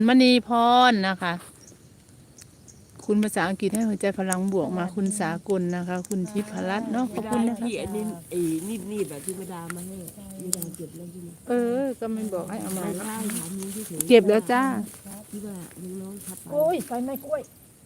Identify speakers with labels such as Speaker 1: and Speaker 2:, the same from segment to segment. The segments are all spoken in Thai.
Speaker 1: มณีพรนะคะ คุณภาษาอังกฤษให้หัวใจพลังบวกมาคุณสากลนะคะ คุณทิพรัตน์เนาะขอบคุณนะคะ
Speaker 2: ที่อันนี้นีบแบบที่ไม่ดามาให้ไม่ดาเก็บแล้วใช่ไหม
Speaker 1: ก็ไม่บอกให้เอามา
Speaker 2: ใช่ถามนี้ที่เฉย
Speaker 1: เก็บแล้วจ้า
Speaker 2: ที่ว่าน้องๆทับไป
Speaker 3: โอ้ยไฟไหม้กล้วย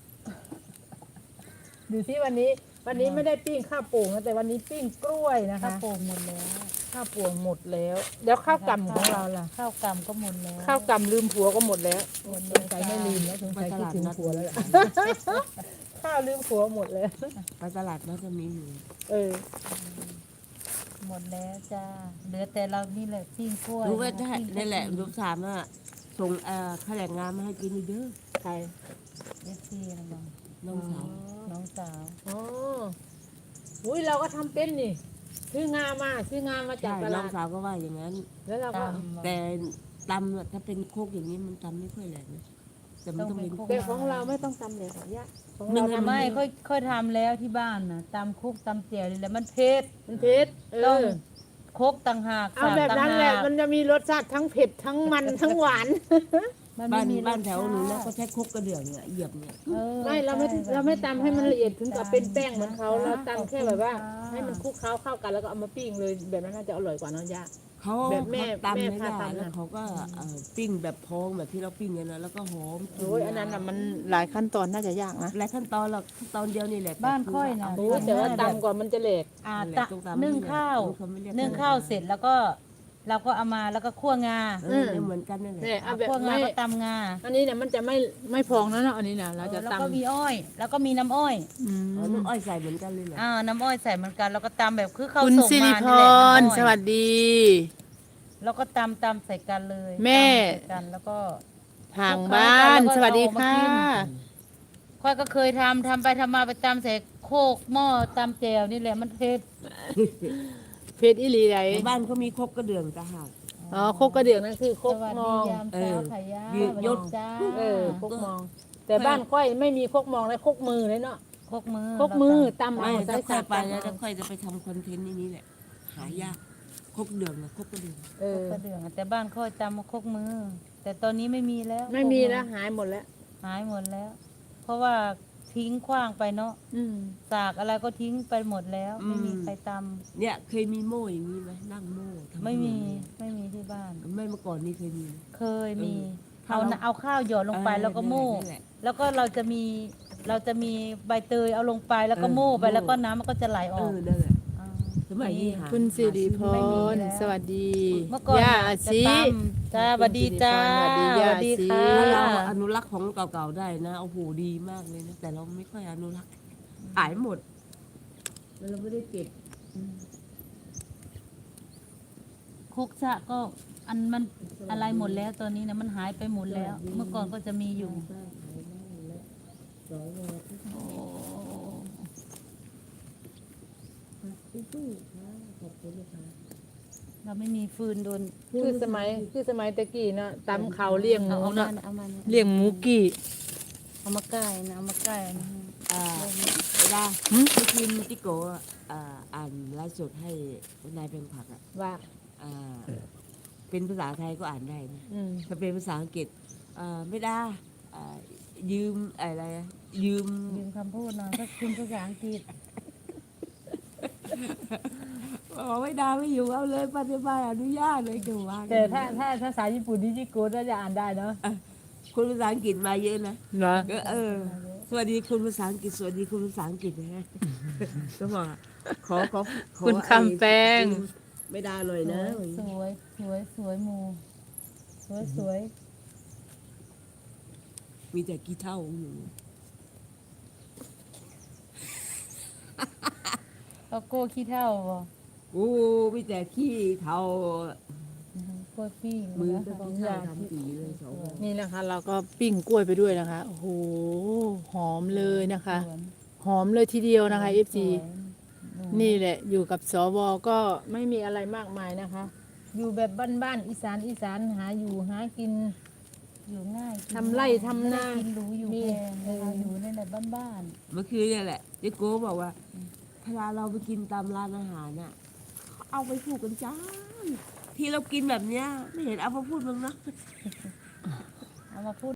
Speaker 3: ดูที่วันนี้ไม่ได้ปิ้งข้าวโป่งนะแต่วันนี้ปิ้งกล้วยนะคะ
Speaker 4: ข้าวโป่งหมดแล้ว
Speaker 3: ข้าวโป่งหมดแล้วเดี๋ยวข้าวกำของเราล่ะ
Speaker 4: ข้าวกำก็หมดแล้ว
Speaker 3: ข้าวกำลืมผัวก็หมดแล้ว
Speaker 4: หมด
Speaker 3: ส
Speaker 4: แล้ว
Speaker 3: งสัยไม่ลืมแล้วสง
Speaker 2: ไป
Speaker 3: สัย
Speaker 2: ต
Speaker 3: คิด
Speaker 2: ลาด
Speaker 3: ถึง
Speaker 2: นัด
Speaker 3: ผัวแล้วล่ะข้าวลืมผัวหมดแล้ว
Speaker 2: ไปตลาดนัดจะมีอยู่
Speaker 3: เออ
Speaker 4: หมดแล้วจ้าเหลือแต่เรานี่แหละปิ้งกล้วย
Speaker 2: รู้ว่าจะ
Speaker 4: ปิ้ง
Speaker 2: นั่นแหละลูกถามว่าส่งข้าวแรงงานมาให้กินอีกเด้อ
Speaker 3: ใคร
Speaker 4: เอฟซีนะบ้าง
Speaker 2: น้องสาว
Speaker 4: น้องสาว
Speaker 3: อ๋ออุ้ยเราก็ทำเป็นนี่ซื้องามาจาก
Speaker 2: ใช่
Speaker 3: ต
Speaker 2: น้
Speaker 3: ลา
Speaker 2: อง
Speaker 3: ด
Speaker 2: สาวก็ว่าอย่างนั้น
Speaker 3: แล้วเราก็
Speaker 4: ตำ
Speaker 2: แต่ตำถ้าเป็นโคกอย่างนี้มันตำไม่ค่อยแหลกนะแต่มันต้องเป็น
Speaker 3: แต่ของเราไม่ต้องตำเลยค่ะยะของ
Speaker 2: หนึ่
Speaker 3: เรา
Speaker 2: ง
Speaker 3: ทำ
Speaker 4: ไม่ค่อยทำแล้วที่บ้านนะตำคุกตำเจียวนี่แหละมันเผ็ด
Speaker 3: มันเผ็ด
Speaker 4: ต้องคกต่างหาก
Speaker 3: เอาแบบนั้นแหละมันจะมีรสชาติทั้งเผ็ดทั้งมันทั้งหวาน
Speaker 4: มัน
Speaker 2: บ้า
Speaker 4: ไม่
Speaker 2: น
Speaker 4: มี
Speaker 2: บ้านแถวหนู
Speaker 4: ร
Speaker 2: แล้ว
Speaker 4: ส
Speaker 2: ก็
Speaker 4: ชาติ
Speaker 2: ใช้โคกกระเดื่องเนี่ยเหยียบเนี่ย
Speaker 4: ออ
Speaker 3: ไม่เราไม่
Speaker 4: ใช่
Speaker 3: เราไม่ตำให้มันละเอียดถึงกับเป็นแป้งเหมือนเขา
Speaker 4: จ้
Speaker 3: เราตำแค่แบบว่า
Speaker 4: ขอบคุณค่ะ
Speaker 3: ให้มันคลุกเคล้าเข้ากันแล้วก็เอามาปิ้งเลยแบบนั้นน่าจะอร่อยกว่าเน้องย่า
Speaker 2: เขา
Speaker 3: แบบแม่
Speaker 2: เขาตำ
Speaker 3: แม่
Speaker 2: ไม่
Speaker 3: พา
Speaker 2: ได้
Speaker 3: ตำ
Speaker 2: แล้ว
Speaker 3: น่ะ
Speaker 2: เขาก็ปิ้งแบบพองแบบที่เราปิ้งกันนะแล้วก็หอม
Speaker 3: โอ้ยอันนั้นน่ะมัน
Speaker 1: หลายขั้นตอนน่าจะยากนะ
Speaker 2: หลายขั้นตอนหรอกขั้นตอนเดียวนี่แหละ
Speaker 4: บ้านค่อยนะ
Speaker 3: โอ้ยแต่ว่าตำกว่ามันจะเหลก
Speaker 4: นึ่งข้าวนึ่งข้าวเสร็จแล้วก็เราก็เอามาแล้วก็คั่วงา
Speaker 2: เหมือนกันนั่นแหละ
Speaker 3: เนี่ยเอาแบบ
Speaker 4: คั่วงา
Speaker 3: ไม่
Speaker 4: ก็ตำงา
Speaker 3: อันนี้เนี่ยมันจะไม่พองนะเนาะอันนี้นะเราจะ
Speaker 4: แล้ว
Speaker 3: ตำ
Speaker 4: ก็มีอ้อย แล้วก็มีน้ำอ้อย
Speaker 2: น้ำอ้อยใส่เหมือนกันเลยเหรอ
Speaker 4: น้ำอ้อยใส่เหมือนกันแล้วก็ตำแบบคือเขา
Speaker 1: คุณ
Speaker 4: ส่ง
Speaker 1: สิริ
Speaker 4: มา
Speaker 1: พ
Speaker 4: นี่แหละ
Speaker 1: ร
Speaker 4: น้ำอ้อย
Speaker 1: สวัสดี
Speaker 4: แล้วก็ตำใส่กันเลย
Speaker 1: แม่
Speaker 4: ตำใส่กันแล้วก็
Speaker 1: ทางบ้าน สวัสดีค่ะ
Speaker 4: ค่อยก็เคยทำไปทำมาไปตำใส่โคกหม้อตำแจวนี่แหละมันเผ็ด
Speaker 3: เพชรอิลีไร
Speaker 2: ในบ้านเขามีครกกระเดื่องต่างหาก
Speaker 3: อ๋อโคกกระเดื่องนั่นคือโค
Speaker 4: ส
Speaker 3: ก
Speaker 4: วัส
Speaker 3: ม
Speaker 4: ดี
Speaker 3: อง
Speaker 4: ยามเช้าค่ะย่า
Speaker 2: เออ
Speaker 4: สวัส
Speaker 2: ย
Speaker 4: ดี
Speaker 2: ศ
Speaker 4: จ้า
Speaker 3: โคกมอง แต่บ้านค่อยไม่มีโคกมองเลยโคกมือเลยเนาะ
Speaker 4: โคกมือ
Speaker 3: โคกมือตำ
Speaker 2: ไม่
Speaker 3: เอาใส่
Speaker 2: ถ้าค่อย
Speaker 3: สาก
Speaker 2: ไป
Speaker 3: ตำ
Speaker 2: แล้ว
Speaker 3: เอา
Speaker 2: ถ้าค่อยจะไปทำคอนเทนต์นี่แหละหายากครกเดื่องนะครกกระเดื่อง
Speaker 3: เอ
Speaker 4: โคก
Speaker 3: อ
Speaker 4: กระเดื่องแต่บ้านค่อยตำโคกมือ แต่ตอนนี้ไม่มีแล้ว
Speaker 3: ไม่มี
Speaker 4: โคกอ
Speaker 3: แล้วหายหมดแล้ว
Speaker 4: หายหมดแล้ว เพราะว่าทิ้งขว้างไปเนาะ
Speaker 3: อืม
Speaker 4: สากอะไรก็ทิ้งไปหมดแล้ว ไม่มีใครต
Speaker 2: เนี่ยเคยมีโม่อย่างนี้ไหมนั่งโม่ทำ
Speaker 4: ำไม่มีไม่มีที่บ้าน
Speaker 2: ไม่เมื่อก่อนนี่เคยมี
Speaker 4: เคยมี
Speaker 2: เออ
Speaker 4: เอาข้าวหยอดลงไปแล้วก็โม่
Speaker 2: นั่นแหละ
Speaker 4: แล้วก็เราจะมีใบเตยเอาลงไปแล้วก็โม่ไป
Speaker 2: โม่
Speaker 4: แล้วก็น้ำมันก็จะไหลออก
Speaker 2: นั่นแหละ
Speaker 4: า
Speaker 2: สมัยนี้หา
Speaker 1: คุณสิริพ
Speaker 4: ไม่มี
Speaker 1: ร
Speaker 4: แล้ว
Speaker 1: สวัสดี
Speaker 4: เมื่อก่อน
Speaker 1: ย่า
Speaker 4: น่ะ
Speaker 1: อา
Speaker 4: จะ
Speaker 1: ชี
Speaker 4: ตำจ้าสวัสดีจ้า
Speaker 1: สวัสดีย่า
Speaker 4: สวัสดี
Speaker 1: สิ
Speaker 4: ค่ะ
Speaker 2: ถ้าเราอนุรักษ์ของเก่าๆได้นะโอ้โหดีมากเลยนะแต่เราไม่ค่อยอนุรักษ์หายหมดแล้วเราไม่ได้เก็บ
Speaker 4: คุกชะก็อันมันอะไรหมดแล้วตอนนี้นะมันหายไปหมดแล้ว เมื่อก่อนก็จะมีอยู่โอ้ เราไม่มีฟืนโดน
Speaker 3: คือสมัยตะกี้เนาะตำเขาวเลี้ยงหมู
Speaker 4: เอามา
Speaker 3: เนาะ
Speaker 4: เอามา
Speaker 3: เลี้ยงหมูกี่
Speaker 4: เอามาใกล้นะเอามาใกล้นะ
Speaker 2: เวลาเมื่อคืนจิโกะอ่านไลฟ์สดให้นายเป็นผักอ่ะ
Speaker 3: ว่า
Speaker 2: อ่าเป็นภาษาไทยก็อ่านได้นะ
Speaker 3: อืม
Speaker 2: ถ้าเป็นภาษาอังกฤษไม่ได้ยืมอะไรอะยืม
Speaker 4: ยืมคำพูดหน่อยถ้าคุณภาษาอังกฤษ
Speaker 2: บอกไม่ได้ไม่อยู่เอาเลยปัจจุบันอนุญาตเลยเดี๋ยวว่า
Speaker 3: แต่ถ้าภาษาญี่ปุ่นดิจิโกน่าจะอ่านได้เนาะ
Speaker 2: คุณภาษาอังกฤษมาเยอะนะ
Speaker 3: เนาะ
Speaker 2: ก็สวัสดีคุณภาษาอังกฤษสวัสดีคุณภาษาอังกฤษนะฮะก็บอกขอ
Speaker 1: คุณคำแปง
Speaker 2: ไม่ได้เลยนะ
Speaker 4: สวยสวยสวยหมูสวยสวย
Speaker 2: มีแต่กี่เท่าอยู่
Speaker 4: เอาโก้ขี้เท่าบ่
Speaker 2: โอ้มีแต่ขี้เท่า
Speaker 4: โก้ปี้
Speaker 2: มือ
Speaker 4: นะ
Speaker 2: ก็ต้องใช้ทำสีเลยสองคน
Speaker 1: นี่นะคะ เราก็ปิ้งกล้วยไปด้วยนะคะ โอ้โห หอมเลยนะคะ หอมเลยทีเดียวนะคะ FC นี่แหละอยู่กับสวก็ไม่มีอะไรมากมายนะคะ
Speaker 3: อยู่แบบบ้านๆอีสานหาอยู่หากิน
Speaker 4: อยู่ง่าย
Speaker 3: ทำไร่ทำนา
Speaker 4: กินหรูอยู่
Speaker 3: มี
Speaker 4: แพงนะคะอยู่ในแบบบ้าน
Speaker 2: เมื่อคืนเนี่ยแหละเจ๊โก้บอกว่าเวลาเราไปกินตามร้านอาหารน่ะเอาไปพูดกันจ้าที่เรากินแบบเนี้ยไม่เห็นเอามาพูดมึงนะ
Speaker 4: ๆเอามาพูด